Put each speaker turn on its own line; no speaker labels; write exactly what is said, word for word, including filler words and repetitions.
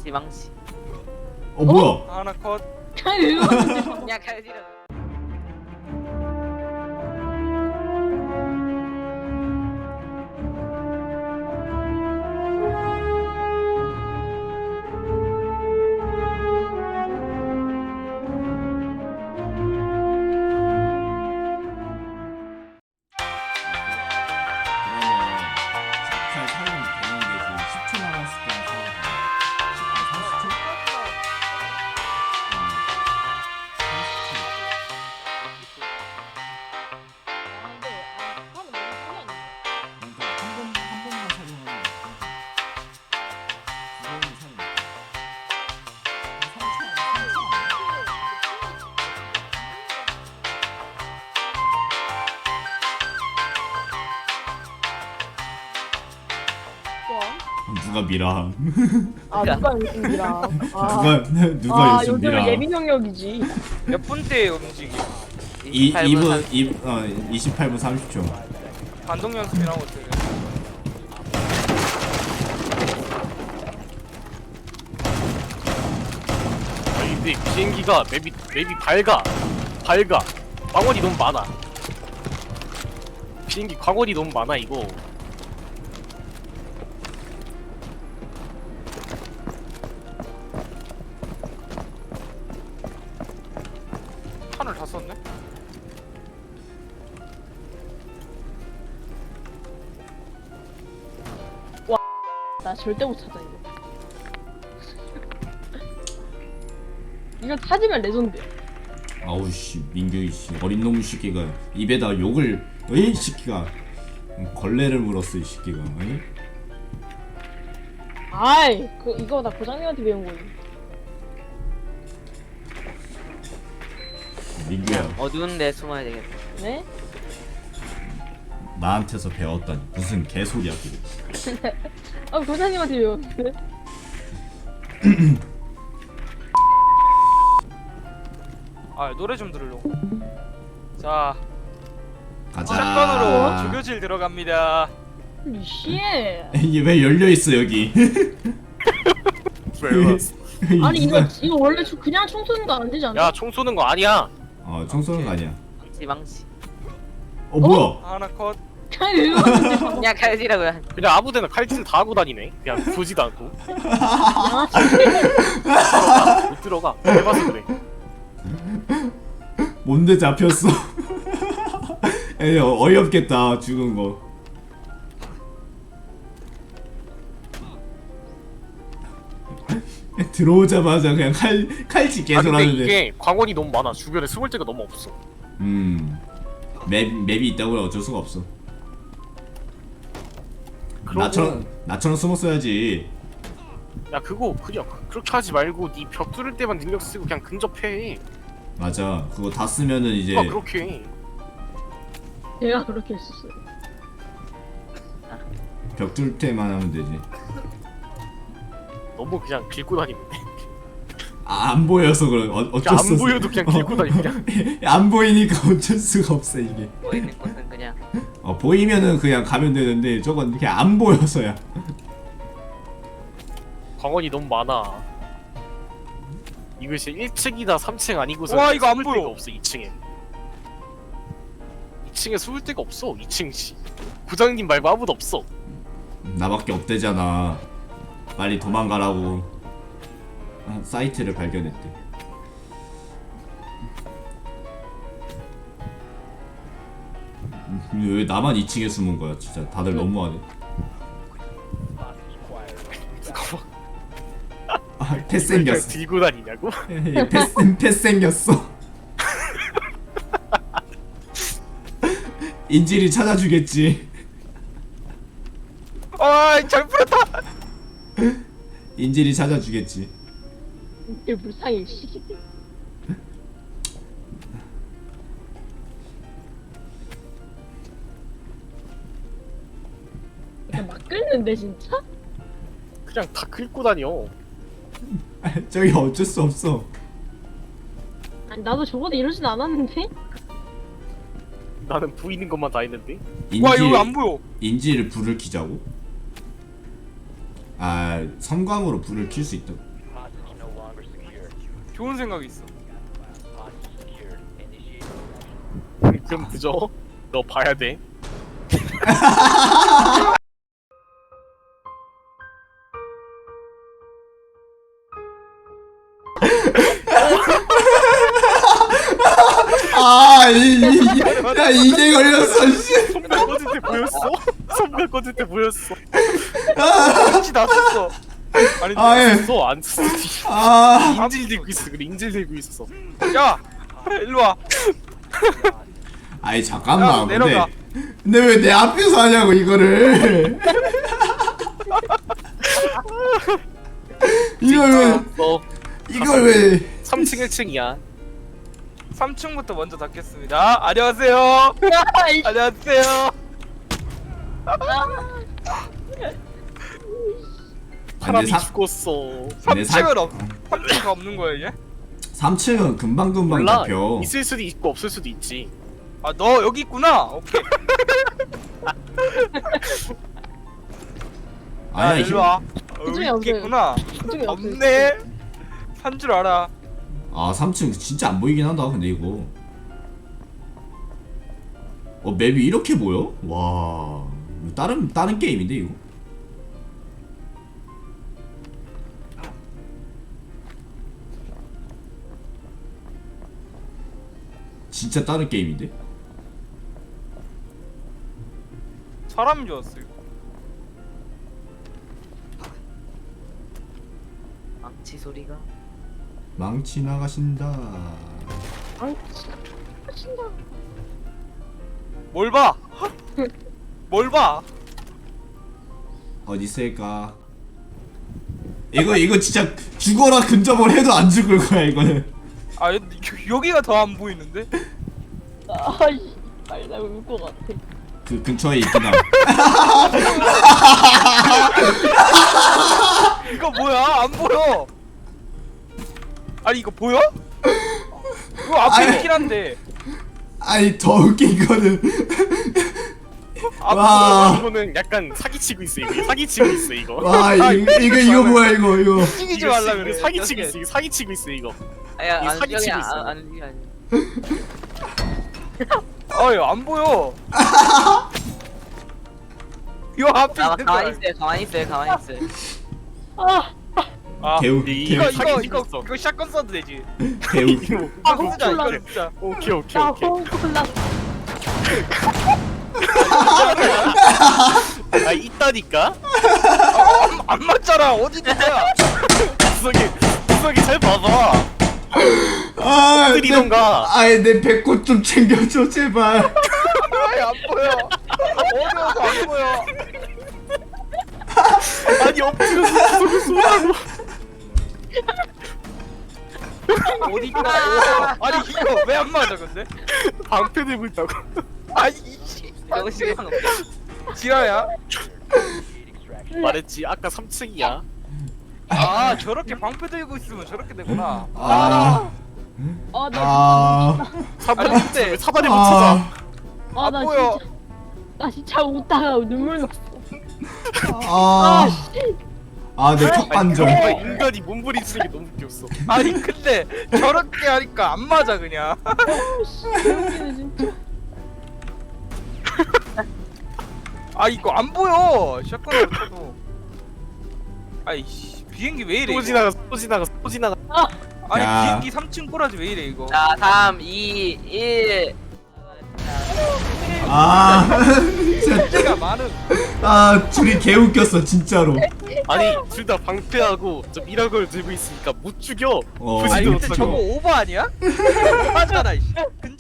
망치 망치.
어 뭐야?
하나 컷.
아니 왜 그러는데?
야 가야지라.
그러면 샷칼 사용 되는 게 지금 십 초 남았을 때는 사용 돼. 아 삼십 초? 응. 삼십 초. 그러니까 한 번, 한 번만 사용하는 거야. 두 번은 사용 못 해. 삼 초 아니야? 삼 초 아니야? 누가 미라?
아 누가 요즘이라.
누가 누가
아
요즘
요즘은
미라?
예민 영역이지.
몇 분대의 움직임.
이
이십팔 분
이분
삼십.
이 어 이십팔 분 삼십 초.
반동 연습이랑 어떻게?
아니 근데 비행기가 맵이 맵이 밝아 밝아 광원이 너무 많아. 비행기 광원이 너무 많아 이거.
판을 다 썼네.
나 절대 못 찾아 이거. 이거 찾으면 레전드.
아우 씨 민규 씨 어린 놈 새끼가 입에다 욕을 어이 새끼가 걸레를 물었어 이 새끼가 어이?
아이 그 이거 나 고장님한테 배운 거지.
민규야
어두운데 숨어야 되겠다.
네?
나한테서 배웠다니 무슨 개소리야 그게.
아 고장님한테 배웠는데.
아 노래 좀 들으려고. 자,
가자.
샷건으로 조교질 들어갑니다.
씨.
이게 왜 열려 있어 여기?
왜?
아니 이거 이거 원래 총- 그냥 총 쏘는 거 안 되지 않아?
야총 쏘는 거 아니야.
어총 쏘는 거 아니야.
망치 망치.
어 뭐야?
하나 컷.
아니 왜 그러는데?
야 가야지라고요.
그냥 아무데나 칼질 다 하고 다니네. 그냥 보지도 않고. 못 들어가. 해봐서 그래.
뭔데 잡혔어? 에이 어, 어이없겠다 죽은 거. 들어오자마자 그냥 칼 칼치
아
계속
근데
하는데.
이게 광원이 너무 많아. 주변에 숨을 데가 너무 없어.
음. 맵 맵이 있다고 어쩔 수가 없어.
그러고-
나처럼 나처럼 숨었어야지.
야 그거 그냥 그렇게 하지 말고 니 벽 뚫을 때만 능력 쓰고 그냥 근접해.
맞아. 그거 다 쓰면은 이제
아 그렇게 해.
내가 그렇게 했었어요.
벽 뚫을 때만 하면 되지.
너무 그냥 긁고 다니는데.
아, 안 보여서 그런 어, 어쩔
그냥
수
안 보여도 그냥 긁고 다니 그냥.
안 보이니까 어쩔 수가 없어 이게.
보이는 곳은 그냥.
어 보이면은 그냥 가면 되는데 저건 그냥 안 보여서야.
광원이 너무 많아. 이것이 일 층이다 삼 층 아니고서
와, 이거 안
숨을
보여.
데가 없어 이 층에. 이 층에 숨을 데가 없어 이 층 씨. 부장님 말고 아무도 없어.
나밖에 없대잖아. 빨리 도망가라고. 아, 사이트를 발견했대. 음, 왜 나만 이 층에 숨은 거야? 진짜 다들 너무하네.
누가 막
아, 패
그냥
생겼어.
들고 다니냐고?
패, 패 생겼어. 인질이 찾아주겠지.
어이 잘 풀었다.
인질이 찾아주겠지.
이게 불쌍해 씨. 그냥 막 끓는데 진짜?
그냥 다 긁고 다녀.
저기 어쩔 수 없어.
아니 나도 적어도 이러진 않았는데?
나는 보이는 것만 다 했는데.
와
인질
이거 안 보여.
인질을 불을 켜자고? 아 섬광으로 불을 켤 수 있다.
좋은 생각이 있어.
그럼 그죠? 너 봐야 돼.
아, 이, 이, 이, 야, 이게 걸렸어, 씨.
손가 꺼질 때 보였어? 손가 꺼질 때 보였어.
그렇지 났었어. 아니
아, 예.
써, 안 써.
아,
인질 들고 있어. 그래, 인질 들고 있어.
야 일로 와.
아이,
야,
잠깐만. 근데,
내려가.
근데 왜 내 앞에서 하냐고, 이거를. 이걸 왜,
너
이걸 왜.
삼 층 일 층이야.
삼 층부터 먼저 닫겠습니다. 안녕하세요.
아이씨.
안녕하세요.
사람이
사-
죽었어.
근데 사-
삼 층은 없. 삼 층가 없는 거야 이제?
삼 층은 금방금방
몰라.
잡혀.
있을 수도 있고 없을 수도 있지.
아 너 여기 있구나. 오케이. 아
아니야,
일로 와. 어,
그중에
여기
없어요.
있구나.
그중에 없어요.
없네. 산 줄 알아.
아, 삼 층 진짜 안 보이긴 한다. 근데 이거. 어, 맵이 이렇게 보여? 와. 이거 다른 다른 게임인데 이거. 진짜 다른 게임인데?
사람인 줄 알았어요.
망치 소리가.
망치 나가신다.
아이씨. 신나.
뭘 봐? 뭘 봐?
어디 있을까? 이거 이거 진짜 죽어라 근접을 해도 안 죽을 거야 이거는.
아 여, 여기가 더 안 보이는데?
아이씨. 빨리 나 울 것 같아.
그 근처에 있긴 함.
이거 뭐야? 안 보여. 아니 이거 보여? 이거 앞에
아니.
있긴 한데
아니 더 웃긴 거는
안
와.
이거는 약간 사기치고 있어. 이거 사기치고 있어 이거.
와 이거 이거 이거 뭐야 이거 이거.
찍이지
이거
말라
이거
그래.
사기치고
이렇게.
있어. 이거 사기치고 있어 이거.
아야
이거
안
사기치고
여기
있어.
안 아니 아니.
어이 안 보여. 이 앞에
아
있는
가만히
거야.
있어요 가만히 있어요 가만히 있어요.
아.
아
개우
이-
이거
개우
이거
사기치고
이거
있어.
이거 샷건 써도 되지.
개우.
이거
아,
이거 쓰자 이거
콜라.
쓰자.
오케이 오케이
나
오케이.
콜라.
아 있다니까.
안, 안 맞잖아. 어디 있는 거야?
구석이 구석이 잘 봐봐.
아,
때리던가.
아이 내 배꼽 좀 챙겨줘 제발.
아이 안 보여. 어려워서 안 보여.
아니 엎드려서 구석을 쏘라고.
어디 있구나. 아니 이거 왜 안 맞아 근데?
방패 들고 있다고.
아니 이씨.
이거 시간 없어.
지라야?
말했지 아까 삼 층이야.
아 저렇게 방패 들고 있으면 저렇게 되구나.
아.
아, 나
아.
사다리
아니, 근데-
왜 사다리 못 찾아.
아.
아,
안
나
보여.
진짜 나 진짜 웃다가 눈물 났어.
아.
아, 씨.
아, 내
아니,
턱관절.
그거 인간이 몸부림치는 게 너무 웃겼어.
아니 근데 저렇게 하니까 안 맞아 그냥.
씨. 개웃기네 진짜.
아 이거 안 보여. 샷건으로 쳐도. 아이씨 비행기 왜 이래?
또
이거?
지나가 또 지나가 또 지나가.
아니
야.
비행기 삼 층 꼬라지 왜 이래 이거?
자 삼 이 일.
아. 진짜.
문제가 많은.
아, 둘이 개 웃겼어 진짜로.
아니 둘 다 방패하고 좀 이런 걸 들고 있으니까 못 죽여.
어,
부지도
아니 근데
못하고.
저거 오버 아니야? 오버하잖아 이씨. 근접